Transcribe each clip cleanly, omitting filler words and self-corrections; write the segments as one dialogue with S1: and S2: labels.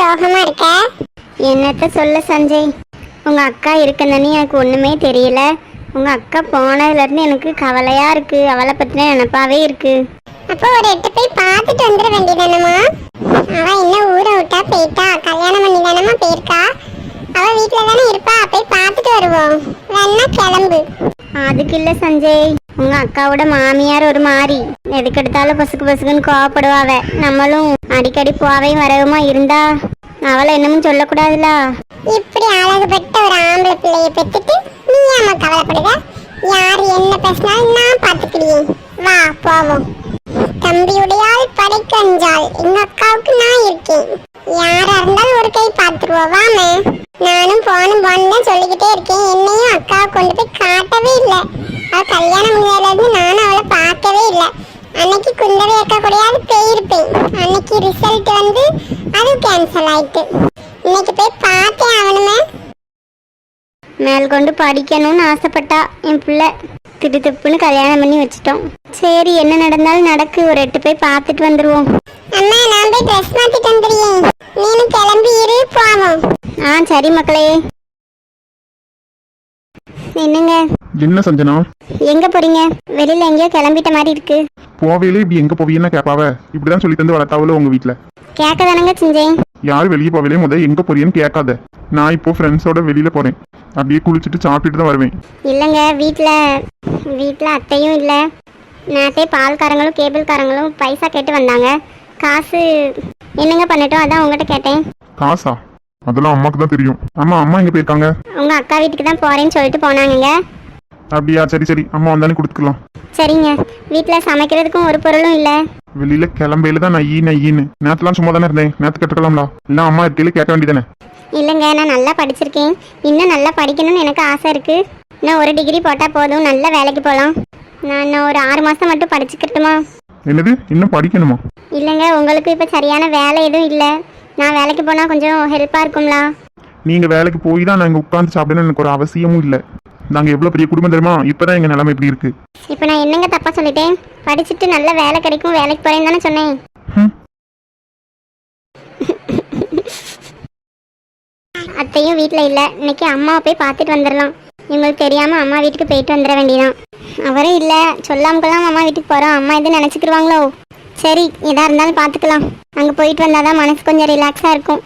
S1: சோகமா இருக்க?
S2: என்னத்த சொல்ல சஞ்சய், உங்க அக்கா இருக்குன்னு எனக்கு ஒண்ணுமே தெரியல. உங்க அக்கா போனதுல இருந்து எனக்கு கவலையா இருக்கு. அவளை பத்தின நினைப்பாவே இருக்கு.
S1: அப்போ ஒரு எட்டு போய் பார்த்துட்டு வந்துட வேண்டியதானம்மா? அவ இன்னும் ஊரை விட்டா போயிட்டா, கல்யாணம் பண்ணி தானம்மா போயிருக்கா. அவ வீட்டுல தானே இருப்பா, போய் பார்த்துட்டு வருவோம். வேணா கிளம்பு.
S2: அதுக்கு இல்ல சஞ்சய், உங்க அக்காவோட மாமியார் ஒரு மாதிரி எதுக்கு எடுத்தாலும் பொசுக்குன்னு கோவப்படுவாவ. நம்மளும் அடிக்கடி போவையும் வரவுமா இருந்தா அவளை என்னமும் சொல்லக்கூடாதுல.
S1: இப்படி அழகுபட்ட ஒரு ஆம்பளை பிள்ளைய பெற்றுட்டு நீ ஏமா கவலைப்படுத? யார் என்ன பேசினாலும் நான் பார்த்துக்கிடுவேன். வா போவோம். தம்பியுடையால் படைக்கஞ்சால், எங்க அக்காவுக்கு நான் இருக்கேன். யாரா இருந்தாலும் ஒரு கை பார்த்துருவோம். வாமே. நானும் போனும் தான் சொல்லிக்கிட்டே இருக்கேன். என்னையும் அக்காவை கொண்டு போய் காட்டவே இல்லை. அவ கல்யாணம் முடிஞ்சதுலேருந்து நானும் அவளை பார்க்கவே இல்லை. அன்னைக்கு குந்தவை அக்கா கூடயாவது போயிருப்பேன். அன்னைக்கு ரிசல்ட் வந்து அது கேன்சல் ஆயிட்டு. இன்னைக்கு போய் பார்த்தே ஆகணுமே.
S2: மேல் கொண்டு படிக்கணும்னு ஆசைப்பட்டா என் பிள்ளை. திடுத்துப்புன்னு கல்யாணம் பண்ணி வச்சிட்டோம். சரி, என்ன நடந்தாலும் நடக்கு. ஒரு எட்டு போய் பார்த்துட்டு வந்துருவோம்.
S1: அம்மா, நான் போய் ட்ரெஸ் மாத்திட்டு வந்துடுறேன். நீனும் கிளம்பி இரு, போவோம்.
S2: சரி மக்களே. என்னங்க?
S3: என்ன சஞ்சனா,
S2: எங்க போறீங்க? வெளியில எங்கேயோ கிளம்பிட்ட மாதிரி இருக்கு.
S3: போவேலே இப்படி எங்க போவீங்கன்னா கேட்பாவ. இப்படிதான் சொல்லி தந்து வளர்த்தாவல உங்க வீட்டுல.
S2: கேட்க தானங்க செஞ்சேன்.
S3: யாரு வெளியே போவேலே எங்க போறீன்னு கேட்காத. நான் இப்போ ஃப்ரெண்ட்ஸோட வெளியில போறேன். அப்படியே குளிச்சுட்டு சாப்பிட்டுட்டு தான் வருவேன்.
S2: இல்லைங்க, வீட்டில் அத்தையும் இல்லை. நேற்றே பால்காரங்களும் கேபிள்காரங்களும் பைசா கேட்டு வந்தாங்க. காசு என்னங்க பண்ணட்டும், அதான் உங்ககிட்ட கேட்டேன்.
S3: காசா? அதெல்லாம் அம்மாக்கு தான் தெரியும். அம்மா எங்க போயிருக்காங்க?
S2: உங்க அக்கா வீட்டுக்கு தான் போறேன்னு சொல்லிட்டு போனாங்க.
S3: அப்படியா? சரி அம்மா வந்தானே கொடுத்துக்கலாம்.
S2: சரிங்க. வீட்டில் சமைக்கிறதுக்கும் ஒரு பொருளும் இல்லை.
S3: வெளியில கிளம்பையில தான் நையின்னு நேற்றுலாம் சும்மா தானே இருந்தேன். நேற்று கட்டுக்கலாம்ல. இல்லை அம்மா இருக்கையில கேட்க வேண்டியதானே.
S2: இல்லைங்க, நான் நல்லா படிச்சிருக்கேன். இன்னும் நல்லா படிக்கணும்னு எனக்கு ஆசை இருக்கு. இன்னும் ஒரு டிகிரி போட்டால் போதும், நல்ல வேலைக்கு போகலாம். நான் இன்னும் ஒரு 6 மாதம் மட்டும் படிச்சுக்கிட்டுமா?
S3: என்னது, இன்னும் படிக்கணுமா?
S2: இல்லைங்க, உங்களுக்கு இப்போ சரியான வேலை எதுவும் இல்லை. நான் வேலைக்கு போனால் கொஞ்சம் ஹெல்ப்பாக இருக்கும்லா.
S3: நீங்க வேலைக்கு போய் தான் நாங்கள் உட்காந்து சாப்பிடணும்னு எனக்கு ஒரு அவசியமும் இல்லை. நாங்கள் எவ்வளோ பெரிய குடும்பம் தெரியுமா? இப்போதான் எங்கள் நிலைமை இப்படி இருக்கு.
S2: இப்போ நான் என்னங்க தப்பா சொல்லிட்டேன்? படிச்சுட்டு நல்ல வேலை கிடைக்கும், வேலைக்கு போறேன்னு தானே சொன்னேன். அத்தையும் வீட்டில் இல்லை. இன்னைக்கு அம்மாவை போய் பார்த்துட்டு வந்துடலாம். இவங்களுக்கு தெரியாமல் அம்மா வீட்டுக்கு போயிட்டு வந்துட வேண்டியதான். அவரும் இல்லை, சொல்லாமக்கெல்லாம் அம்மா வீட்டுக்கு போகிறோம். அம்மா எதுவும் நினச்சிக்கிடுவாங்களோ? சரி, எதாக இருந்தாலும் பார்த்துக்கலாம். அங்கே போயிட்டு வந்தால் தான் மனசு கொஞ்சம் ரிலாக்ஸாக இருக்கும்.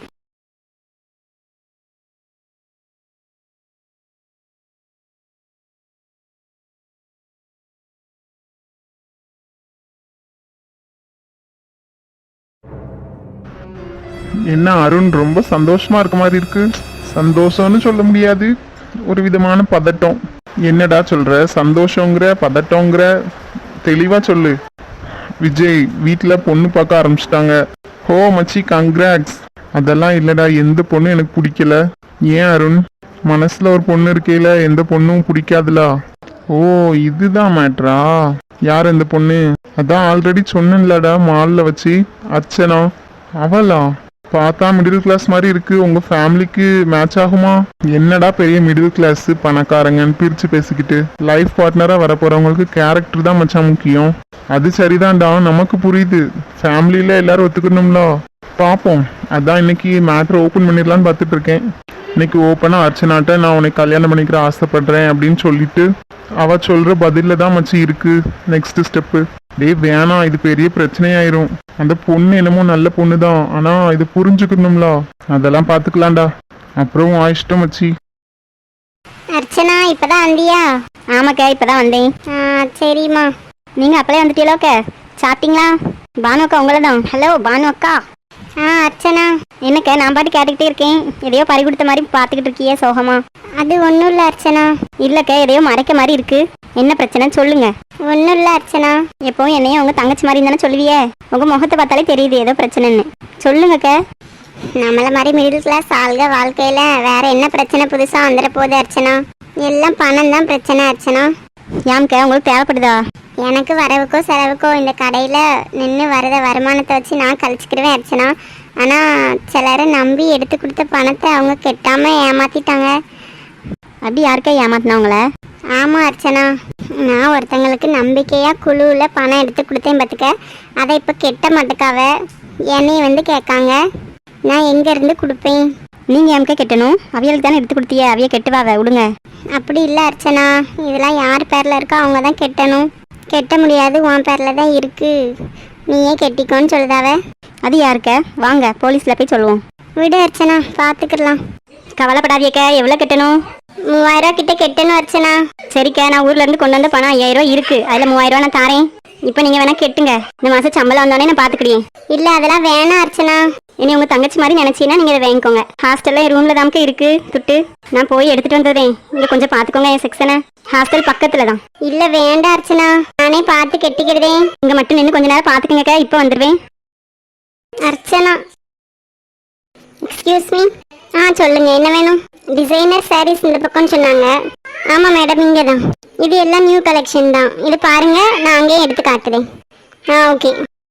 S3: என்ன அருண், ரொம்ப சந்தோஷமா இருக்க மாதிரி இருக்கு. சந்தோஷம்னு சொல்ல முடியாது, ஒரு விதமான பதட்டம். என்னடா சொல்ற? சந்தோஷங்கிற பதட்டங்கிற? தெளிவா சொல்லு. விஜய் வீட்டில் பொண்ணு பார்க்க ஆரம்பிச்சிட்டாங்க. ஹோ மச்சி, கங்க்ராட்ஸ். அதெல்லாம் இல்லடா, எந்த பொண்ணும் எனக்கு பிடிக்கல. ஏன் அருண்? மனசுல ஒரு பொண்ணு இருக்கையில எந்த பொண்ணும் பிடிக்காதுலா? ஓ, இதுதான் மேட்ரா? யார் இந்த பொண்ணு? அதான் ஆல்ரெடி சொன்னேன்லடா மால்ல வச்சு, அர்ச்சனா. அவளா? பார்த்தா மிடில் கிளாஸ் மாதிரி இருக்கு. உங்க ஃபேமிலிக்கு மேட்ச் ஆகுமா? என்னடா பெரிய மிடில் கிளாஸ் பணக்காரங்கன்னு பிரிச்சு பேசிக்கிட்டு. லைஃப் பார்ட்னரா வர போறவங்களுக்கு கேரக்டர் தான் மச்சான் முக்கியம். அது சரிதான்டா, நமக்கு புரியுது. ஃபேமிலியில எல்லாரும் ஒத்துக்கணும்ல. பார்ப்போம். அதான் இன்னைக்கு மேட்ரு ஓப்பன் பண்ணிடலான்னு பார்த்துட்டு இருக்கேன். இன்னைக்கு ஓப்பனா அர்ச்சனாட்ட நான் உனக்கு கல்யாணம் பண்ணிக்கிற ஆசைப்படுறேன் அப்படின்னு சொல்லிட்டு அவ சொல்ற பதில தான் மச்சி இருக்கு நெக்ஸ்ட் ஸ்டெப்பு. டேய் வேணாம், இது பெரிய பிரச்சனையாயிரும். அந்த பொண்ணு என்னமோ நல்ல பொண்ணு தான், ஆனா இது புரிஞ்சுக்கணும்ல. அதெல்லாம் பாத்துக்கலாம்டா. அப்புறம் இஷ்டம் மச்சி.
S2: அர்ச்சனா இப்பதான் வந்தியா? ஆமாக்கா, இப்பதான் வந்தேன். சரிம்மா. நீங்க அப்பளே வந்துட்டீங்களோக்கா? சாப்பிட்டீங்களா? பானு அக்கா உங்களை தான். ஹலோ பானு அக்கா. அர்ச்சனா. என்னக்கா நான் பாட்டு கேட்டுக்கிட்டே இருக்கேன். எதையோ பறி கொடுத்த மாதிரி பார்த்துக்கிட்டு இருக்கியே சோகமா? அது ஒன்றும் இல்லை அர்ச்சனா. இல்லைக்கா, எதையோ மறைக்க மாதிரி இருக்கு. என்ன பிரச்சனைன்னு சொல்லுங்க. ஒன்றும் இல்லை அர்ச்சனா. எப்பவும் என்னையும் உங்க தங்கச்சி மாதிரி தானே சொல்லுவியே. உங்க முகத்தை பார்த்தாலே தெரியுது ஏதோ பிரச்சனைன்னு. சொல்லுங்கக்கா. நம்மள மாதிரி மிடில் கிளாஸ் ஆள்க வாழ்க்கையில வேற என்ன பிரச்சனை புதுசா வந்துட போகுது அர்ச்சனா? எல்லாம் பணம் தான் பிரச்சனை அர்ச்சனா. ஏம்க்கா, உங்களுக்கு தேவைப்படுதா? எனக்கு வரவுக்கோ செலவுக்கோ இந்த கடையில் நின்று வரத வருமானத்தை வச்சு நான் கழிச்சுக்கிடுவேன் அர்ச்சனா. ஆனால் சிலரை நம்பி எடுத்து கொடுத்த பணத்தை அவங்க கெட்டாமல் ஏமாற்றிட்டாங்க. அப்படி யாருக்கா ஏமாத்தினவங்கள? ஆமாம் அர்ச்சனா, நான் ஒருத்தங்களுக்கு நம்பிக்கையாக குழுவில் பணம் எடுத்து கொடுத்தேன் பார்த்துக்க. அதை இப்போ கெட்ட மாட்டுக்காவ என்னையை வந்து கேட்காங்க. நான் எங்க இருந்து கொடுப்பேன்? நீங்க எம்க கெட்டணும், அவியலுக்கு தானே எடுத்து கொடுத்தியே, அவிய கெட்டுவாவ விடுங்க. அப்படி இல்லை அர்ச்சனா, இதெல்லாம் யார் பேர்ல இருக்கோ அவங்க தான் கெட்டணும். கெட்ட முடியாது, உன் பேர்ல தான் இருக்கு, நீயே கெட்டிக்கோன்னு சொல்லுதாவ. அது யாருக்க? வாங்க போலீஸ்ல போய் சொல்லுவோம். விடு அர்ச்சனா, பார்த்துக்கலாம். கவலைப்படாதீக்க. எவ்வளோ கட்டணும்? 3000 கிட்ட கெட்டணும் அர்ச்சனா. சரிக்கா, நான் ஊர்ல இருந்து கொண்டு வந்த பணம் 5000 இருக்கு, அதுல 3000 நான் தாரேன். இப்போ நீங்க வேணா கெட்டுங்க, இந்த மாசம் சம்பளம் வந்தோடனே நான் பாத்துக்கிட்டேன். இல்ல அதெல்லாம் வேணாம் அர்ச்சனா. இனி உங்க தங்கச்சி மாதிரி நினைச்சீங்கன்னா நீங்க இதை வாங்கிக்கோங்க. ஹாஸ்டல்ல ரூம்ல தாமக்க இருக்கு துட்டு, நான் போய் எடுத்துட்டு வந்துடுறேன். இங்க கொஞ்சம் பாத்துக்கோங்க என் செக்ஷனை, ஹாஸ்டல் பக்கத்துல தான். இல்ல வேண்டாம் அர்ச்சனா, நானே பார்த்து கெட்டிக்கிறதே. இங்க மட்டும் நின்று கொஞ்ச நேரம் பாத்துக்கங்க, இப்போ வந்துடுவேன். Archana excuse me. சொல்லுங்க, என்ன வேணும்? டிசைனர் சாரீஸ் இந்த பக்கம் சொன்னாங்க. ஆமா மேடம், இங்கே தான். இது எல்லாம் நியூ கலெக்ஷன் தான், இது பாருங்க, நான் அங்கேயே எடுத்து காட்டுறேன். ஓகே.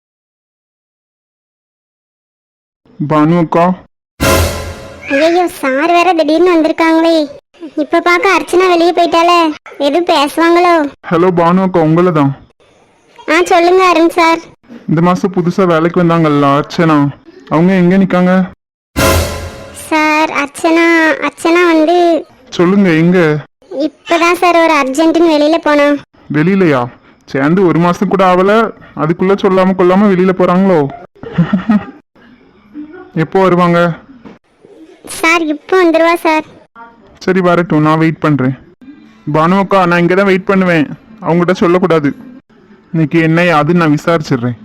S3: பானு அக்கா.
S2: ஐயோ, சார் வேற திடீர்னு வந்திருக்காங்களே. இப்ப பார்க்க அர்ச்சனா வெளியே போயிட்டாலே, எதுவும் பேசுவாங்களோ?
S3: ஹலோ பானு அக்கா, உங்களை தான்.
S2: சொல்லுங்க அருண் சார்.
S3: இந்த மாசம் புதுசா வேலைக்கு வந்தாங்கல்ல அர்ச்சனா, அவங்க எங்க நிக்காங்க?
S2: சார் அர்ச்சனா வந்து
S3: சொல்லுங்க, எங்க?
S2: இப்பதான் சார் ஒரு அர்ஜென்ட்னு வெளியில போனோம்.
S3: வெளியிலயா? சேர்ந்து 1 மாசம் கூட ஆகல, அதுக்குள்ள சொல்லாம கொள்ளாம வெளியில போறாங்களோ? எப்போ வருவாங்க?
S2: சார் இப்போ வந்துருவா சார்.
S3: சரி வரட்டும், நான் வெயிட் பண்றேன். பானு அக்கா, நான் இங்கே தான் வெயிட் பண்ணுவேன், அவங்ககிட்ட சொல்லக்கூடாது. இன்னைக்கு என்ன அது நான் விசாரிச்சிடுறேன்.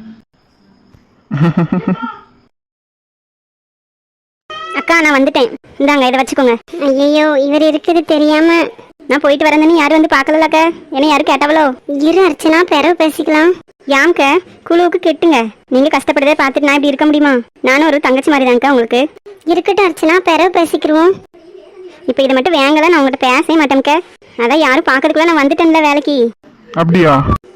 S2: அக்கா நான் வந்துட்டேன், இந்தாங்க இதை வச்சுக்கோங்க. ஐயோ, இவர் இருக்குது தெரியாம நான் போயிட்டு வரேன்னு யாரும் வந்து பார்க்கலக்கா. என்ன யாரும் கேட்டவளோ? இரு அர்ச்சனா, பிறகு பேசிக்கலாம். யாம்க குழுவுக்கு கெட்டுங்க, நீங்க கஷ்டப்படுறதை பார்த்துட்டு நான் இப்படி இருக்க முடியுமா? நானும் ஒரு தங்கச்சி மாதிரி தான்க்கா உங்களுக்கு. இருக்கட்டும் அர்ச்சனா, பிறகு பேசிக்கிருவோம். இப்போ இதை மட்டும் வேங்கல, நான் உங்கள்கிட்ட பேசவே மாட்டேன்க்க. அதான் யாரும் பார்க்கறதுக்குள்ள நான் வந்துட்டேன்ல வேலைக்கு.
S3: அப்படியா?